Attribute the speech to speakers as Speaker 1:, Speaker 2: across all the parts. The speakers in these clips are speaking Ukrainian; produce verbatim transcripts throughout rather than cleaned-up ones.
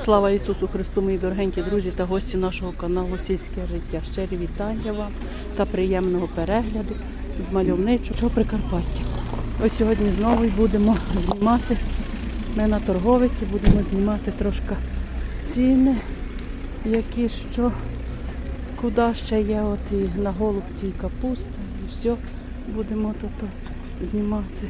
Speaker 1: Слава Ісусу Христу, мої дорогенькі друзі та гості нашого каналу Сільське життя. Щирі вітання вам та приємного перегляду з мальовничого Прикарпаття. Ось сьогодні знову будемо знімати, ми на торговиці будемо знімати трошки ціни, які що, куди ще є, от і на голубці, і капуста, і все будемо тут знімати.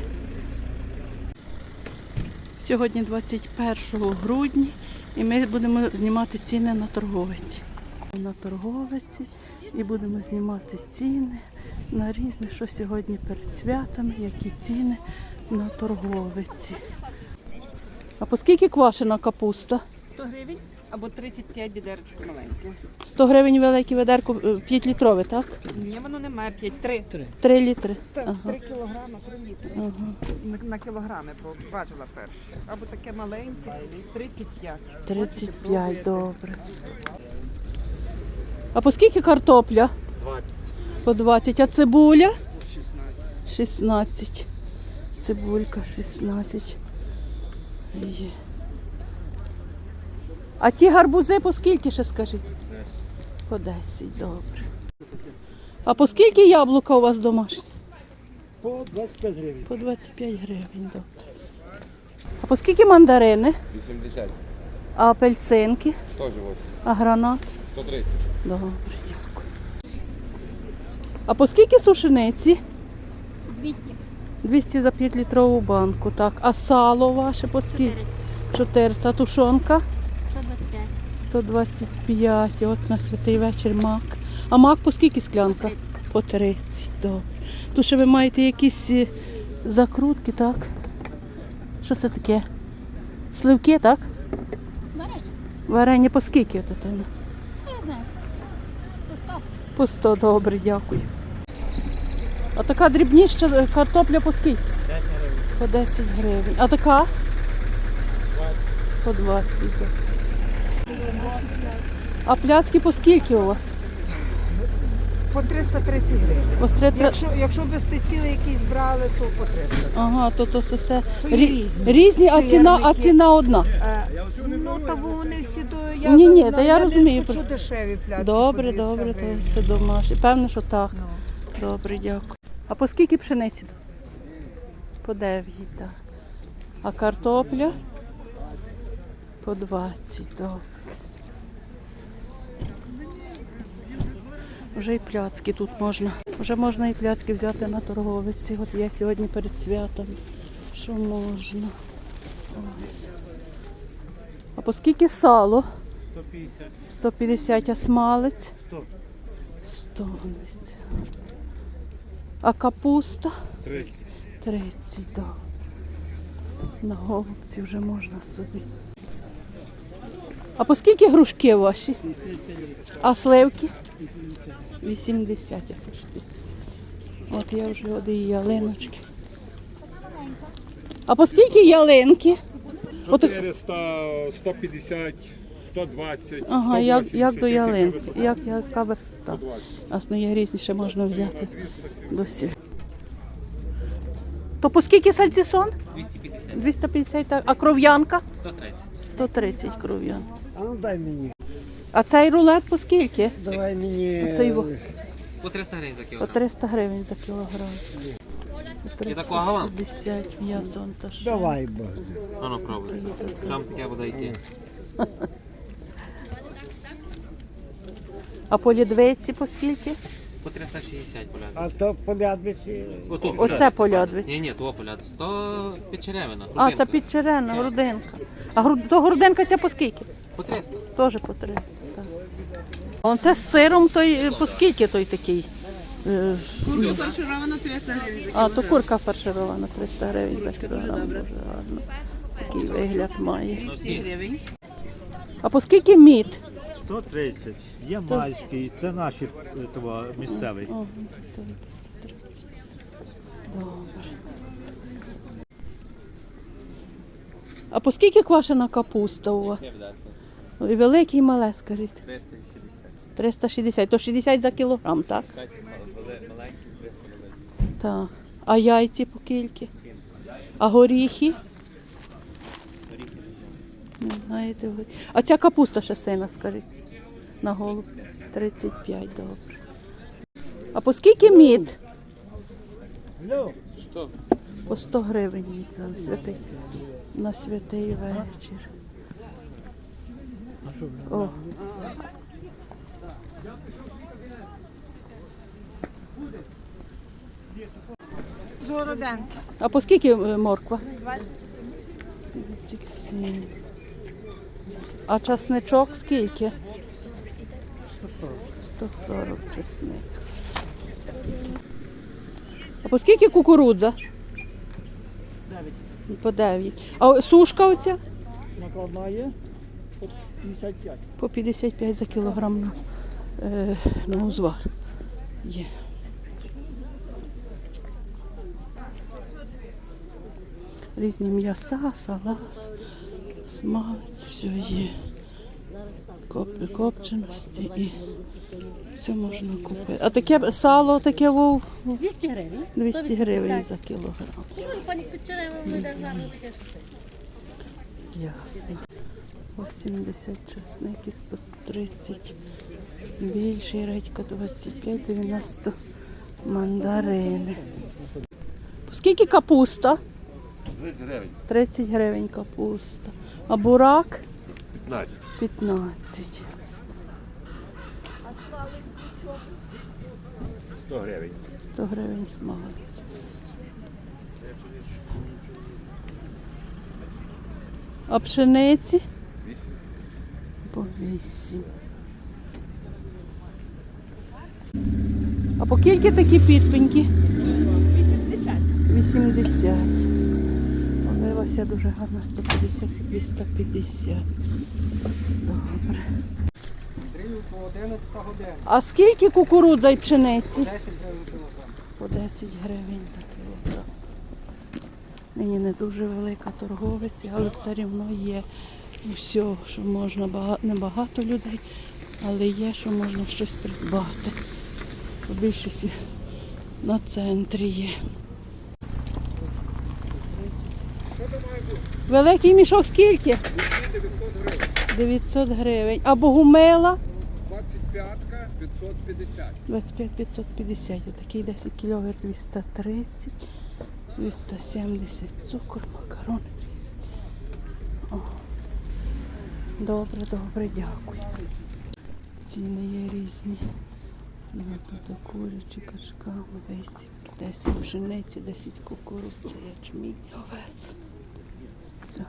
Speaker 1: Сьогодні двадцять першого грудня і ми будемо знімати ціни на торговиці. На торговиці і будемо знімати ціни на різне, що сьогодні перед святами, які ціни на торговиці. А по скільки квашена капуста?
Speaker 2: сто гривень або тридцять п'ять відерчик маленьке.
Speaker 1: сто гривень велике ведерко, п'ять літрове, так?
Speaker 2: Ні, воно не має п'ять, три.
Speaker 1: три літри.
Speaker 2: Так,
Speaker 1: Ага.
Speaker 2: три кілограми, три літри.
Speaker 1: Ага.
Speaker 2: На, на кілограми, бо бачила перше. Або таке маленьке, тридцять п'ять.
Speaker 1: тридцять п'ять, добре. А по скільки картопля?
Speaker 2: двадцять.
Speaker 1: По двадцять. А цибуля?
Speaker 2: шістнадцять.
Speaker 1: шістнадцять. Цибулька шістнадцять. Є. А ті гарбузи по скільки ще скажіть? По десять, добре. А по скільки яблука у вас домашні?
Speaker 3: По двадцять п'ять гривень.
Speaker 1: По двадцять п'ять гривень, добре. А по скільки мандарини?
Speaker 4: вісімдесят.
Speaker 1: А апельсинки?
Speaker 4: сто живуть.
Speaker 1: А гранат?
Speaker 4: сто тридцять.
Speaker 1: Добре, дякую. А по скільки сушениці?
Speaker 5: двісті.
Speaker 1: двісті за п'ятилітрову банку, так. А сало ваше по скільки? чотириста. А тушонка?
Speaker 5: сто двадцять п'ять.
Speaker 1: сто двадцять п'ять. І от на святий вечір мак. А мак по скільки склянка? По тридцять, добре. Тут ще ви маєте якісь е, закрутки, так? Що це таке? Сливки, так?
Speaker 5: Варення.
Speaker 1: Варення по скільки? От це?
Speaker 5: Я знаю. По сто.
Speaker 1: По сто, добре, дякую. А така дрібніша картопля по скільки?
Speaker 3: десять гривень.
Speaker 1: По десять гривень. А така? По двадцять. так. А пляцки по скільки у вас?
Speaker 2: По триста тридцять гривень.
Speaker 1: По три-
Speaker 2: Якщо, якщо без ціли якісь брали, то по триста.
Speaker 1: Ага, то то все, все.
Speaker 2: То є
Speaker 1: Рі-
Speaker 2: різні.
Speaker 1: різні, а ціна, а
Speaker 2: Сирники.
Speaker 1: ціна одна.
Speaker 2: А, ну, та вони всі до... Я,
Speaker 1: Ні, ні,
Speaker 2: на-
Speaker 1: та я
Speaker 2: не
Speaker 1: розумію.
Speaker 2: хочу дешеві пляцки.
Speaker 1: Добре,
Speaker 2: по двісті
Speaker 1: добре, то
Speaker 2: гривень.
Speaker 1: все домашнє. Певно, що так.
Speaker 2: Ну.
Speaker 1: Добре, дякую. А по скільки пшениці? По дев'ять, так. А картопля? По двадцять, добре. Вже і пляцки тут можна. Вже можна і пляцки взяти на торговиці. От я сьогодні перед святом. Що можна? Ось. А по скільки сало?
Speaker 3: сто п'ятдесят.
Speaker 1: сто п'ятдесят, а смалець?
Speaker 3: сто.
Speaker 1: сто. А капуста?
Speaker 4: тридцять.
Speaker 1: тридцять, добре. На голубці вже можна собі. А по скільки грушки ваші? А сливки? вісімдесят. я теж десь. От я вже от і ялиночки. А по скільки ялинки? От,
Speaker 6: чотириста, сто п'ятдесят, сто двадцять.
Speaker 1: ага, як,
Speaker 6: сто
Speaker 1: як до
Speaker 6: вісімдесят,
Speaker 1: ялинки,
Speaker 6: яка
Speaker 1: як, яка висота. Асно, є різні, ще можна взяти до сіль. То по скільки сальцісон?
Speaker 7: двісті п'ятдесят.
Speaker 1: двісті п'ятдесят, так. А кров'янка?
Speaker 7: сто тридцять.
Speaker 1: сто тридцять кров'янка.
Speaker 3: А ну дай мені.
Speaker 1: А цей рулет по скільки?
Speaker 3: Давай мені.
Speaker 1: Оцей во-
Speaker 7: По триста гривень за
Speaker 1: По
Speaker 7: кілограм.
Speaker 1: триста гривень за кілограм.
Speaker 7: І такого вам?
Speaker 1: п'ятдесят м'ясо. та що?
Speaker 3: Давай, бо.
Speaker 7: А ну пробуй. Там таке буде йти.
Speaker 1: А по лідвейці по скільки?
Speaker 7: По триста шістдесят
Speaker 3: А
Speaker 7: полядвиці.
Speaker 3: то полядвиці.
Speaker 7: Ото
Speaker 1: Оце полядвиці.
Speaker 7: Ні, ні, то полядвиці. сто підчеревина.
Speaker 1: А, це підчерена, грудинка. А гру- то грудинка ця по скільки?
Speaker 7: По триста.
Speaker 1: Теж по триста. Так. Вон те з сиром, той е, по скільки той такий? Е,
Speaker 2: Фаршировано триста гривень.
Speaker 1: А, то курка фарширована, триста гривень за кілограм. Дуже гарно. Такий вигляд має.
Speaker 2: двісті гривень.
Speaker 1: А по скільки мід?
Speaker 3: сто тридцять. Ямальський. Це наші е, того, місцевий.
Speaker 1: Ага, тридцять. Добре. А по скільки квашена капуста у вас? І велике, і мале, скажіть. триста шістдесят. То шістдесят за кілограм, так? Так. А яйці по скільки? А горіхи? Не знаєте ви. А ця капуста ще сина, скажіть. На голову. тридцять п'ять, добре. А по скільки мід? По сто гривень мід за святий. На святий вечір. О.
Speaker 2: Городенки.
Speaker 1: А по скільки е, морква? двадцять сім. А часничок скільки? сто сорок чесник. А по скільки кукурудза? По дев'ять. А сушка оця?
Speaker 4: Накладна є по п'ятдесят п'ять.
Speaker 1: По п'ятдесят п'ять за кілограм на, е, на узвар. Є. Різні м'яса, салат, смалець, все є. Коп- Копченості і все можна купити. А таке сало таке вов
Speaker 8: двісті гривень.
Speaker 1: двісті гривень за кілограм.
Speaker 8: Ну, пані Печерева, ми державно таке.
Speaker 1: Ясно. вісімдесят чесник і сто тридцять. Більший редька двадцять п'ять, дев'яносто мандарини. Скільки капуста?
Speaker 6: тридцять гривень.
Speaker 1: тридцять гривень капуста. А бурак?
Speaker 6: п'ятнадцять.
Speaker 1: п'ятнадцять.
Speaker 6: сто гривень.
Speaker 1: сто гривень смалець. А пшениці?
Speaker 6: вісім.
Speaker 1: По вісім. А по скільки такі підпеньки?
Speaker 8: вісімдесят.
Speaker 1: вісімдесят. Оливася дуже гарна, сто п'ятдесят і двісті п'ятдесят. Добре.
Speaker 4: По одинадцята година.
Speaker 1: А скільки кукурудза і пшениці?
Speaker 4: десять гривень кілограм.
Speaker 1: По десять гривень за кілограм. Нині не дуже велика торговиця, але все рівно є все, що можна, бага- небагато людей, але є, що можна щось придбати. По більшості на центрі є. Великий мішок скільки? дев'ятсот гривень. А богумила?
Speaker 6: двадцять п'ятка, п'ятсот п'ятдесят.
Speaker 1: двадцять п'ять п'ятсот п'ятдесят. Отакий десять кілограм двісті тридцять, двісті сімдесят цукор, макарони різні. О. Добре, добре, дякую. Ціни є різні. Ну, тут курячі качками, висівки, десять пшениці, десять кукурудзи, ячмінь, овець. Все.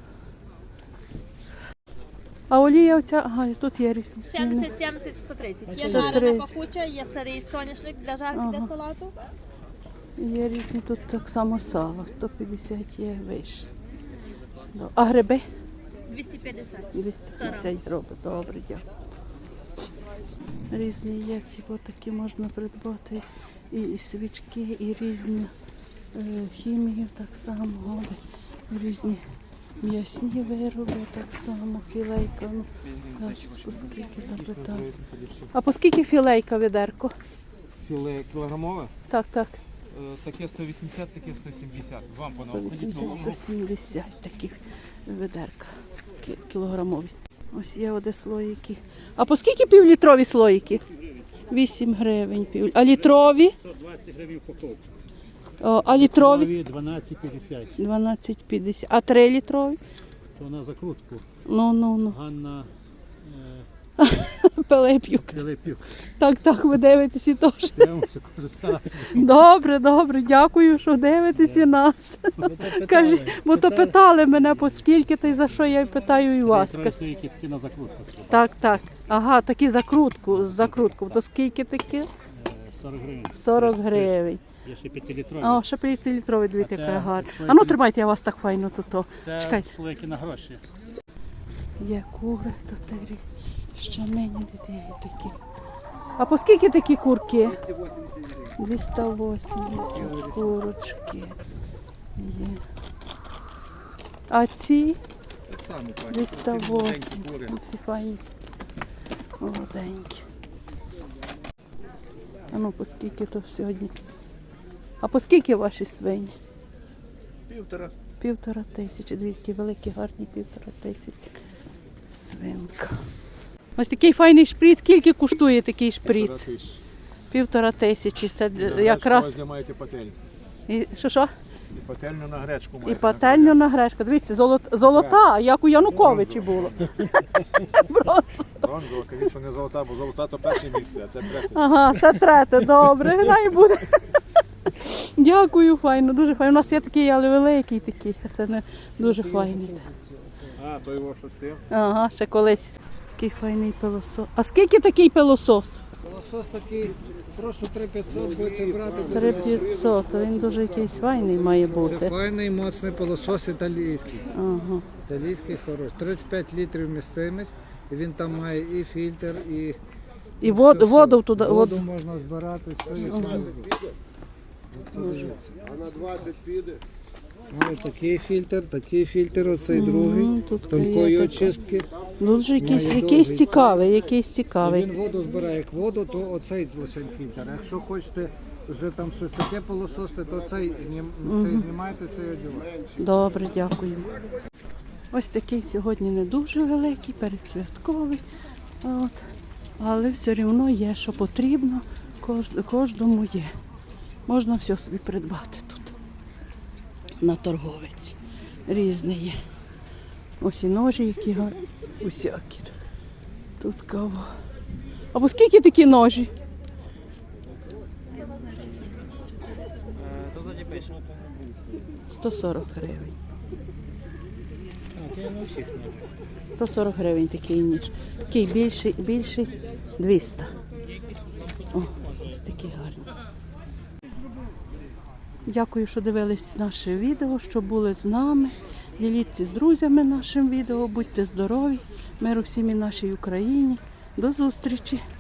Speaker 1: А олія оця, ага, і тут є різні ціни.
Speaker 8: сімдесят, сімдесят, сто тридцять. Є
Speaker 1: сто
Speaker 8: жарена
Speaker 1: тридцять.
Speaker 8: пахуча, є сирий соняшник для жарки,
Speaker 1: Ага.
Speaker 8: для салату.
Speaker 1: Є різні, тут так само сало, сто п'ятдесят є вище. Ну, а гриби?
Speaker 8: двісті п'ятдесят.
Speaker 1: двісті п'ятдесят гривень. Добре, дякую. Різні є, ці такі можна придбати. І, і свічки, і різні е, хімію так само, годи, різні м'ясні вироби так само, філейка. Ну, зараз по скільки запитаю. А по скільки філейка відерко?
Speaker 9: Філе кілограмове.
Speaker 1: Так, так.
Speaker 9: Е, Таке сто вісімдесят, таке сто сімдесят. Вам по
Speaker 1: сто вісімдесят сто сімдесят такі ведерка кі- кілограмові. Ось є оде слоїки. А по скільки півлітрові слоїки? вісім гривень. Пів... А літрові?
Speaker 4: сто двадцять гривень упаковка.
Speaker 1: О, а літрові?
Speaker 4: дванадцять п'ятдесят.
Speaker 1: дванадцять п'ятдесят. А три літрові?
Speaker 4: То на закрутку.
Speaker 1: Ну, ну, ну.
Speaker 4: Ганна
Speaker 1: Пилип'юк.
Speaker 4: Пилипюк.
Speaker 1: Так, так, ви дивитесь і теж.
Speaker 4: Дивимося кожен раз.
Speaker 1: Добре, добре, дякую, що дивитесь і нас. Кажіть, бо то питали мене, по скільки та й за що я й питаю і вас.
Speaker 4: Троє які такі на закрутку.
Speaker 1: Так, так. Ага, такі закрутку, з закрутку. То скільки такі?
Speaker 4: Е, сорок гривень.
Speaker 1: сорок гривень.
Speaker 4: Є ще п'ятилітрові.
Speaker 1: А, ще п'ятилітровий, дві
Speaker 4: А це
Speaker 1: така гарна.
Speaker 4: слойки.
Speaker 1: А ну тримайте, я вас так файно тут. то.
Speaker 4: Це
Speaker 1: Чекайте.
Speaker 4: слойки на гроші.
Speaker 1: Є кури, то тері. Ще нині є такі. А по скільки такі курки? двісті вісімдесят курочки. Є. А ці? двісті вісім. Ці файні. Молоденькі. А ну по скільки то сьогодні? А по скільки ваші свині?
Speaker 6: Півтора.
Speaker 1: півтора тисячі. Дві такі великі, гарні півтора тисячі. Свинка. Ось такий файний шприц. Скільки коштує такий шприц? Півтора тисячі. Це якраз.
Speaker 6: Знімаєте пательню.
Speaker 1: І що що?
Speaker 6: І пательню на гречку
Speaker 1: І
Speaker 6: маєте.
Speaker 1: пательню на гречку. Дивіться, золот, золота, як у Януковичі було.
Speaker 6: Бронзова, кажіть, що не золота, бо золота то перше місце, а це третє.
Speaker 1: Ага, це третє, добре, дай буде. Дякую, файно, дуже файно. У нас є такий, але великий такий, а це не дуже файний.
Speaker 6: А, то його що з тим?
Speaker 1: Ага, ще колись. Такий файний пилосос. А скільки такий пилосос?
Speaker 4: Лосос такий, прошу три п'ятсот будете брати.
Speaker 1: три п'ятсот, він дуже якийсь файний має
Speaker 4: Це
Speaker 1: бути.
Speaker 4: файний, моцний пилосос італійський.
Speaker 1: Ага.
Speaker 4: Італійський хороший. тридцять п'ять літрів містимість. І він там має і фільтр, і
Speaker 1: І вод,
Speaker 4: все,
Speaker 1: воду
Speaker 4: все.
Speaker 1: туди.
Speaker 4: Воду
Speaker 1: Воду.
Speaker 4: можна збирати, все і службу.
Speaker 10: А на двадцять піде?
Speaker 4: Ось такий фільтр, такий фільтр, оцей другий,
Speaker 1: Мгм, тут
Speaker 4: тонкої
Speaker 1: є така.
Speaker 4: очистки.
Speaker 1: Дуже якийсь,
Speaker 4: Має
Speaker 1: якийсь
Speaker 4: довгий
Speaker 1: цікавий, якийсь
Speaker 4: І
Speaker 1: цікавий.
Speaker 4: він воду збирає як воду, то оцей лише фільтр. Якщо хочете вже там щось таке полосости, то цей, знім... цей знімаєте, цей одягаєте.
Speaker 1: Добре, дякую. Ось такий сьогодні не дуже великий, передсвятковий. От. Але все одно є, що потрібно, кож- кожному є. Можна все собі придбати тут. На торговиці. Різні є. Ось і ножі, які гарні, усякі. Тут кава. А по скільки такі ножі? сто сорок гривень. сто сорок гривень такий ніж. Такий більший, більший двісті. О, ось такі гарні. Дякую, що дивились наше відео, що були з нами. Діліться з друзями нашим відео, будьте здорові, миру всім і нашій Україні. До зустрічі!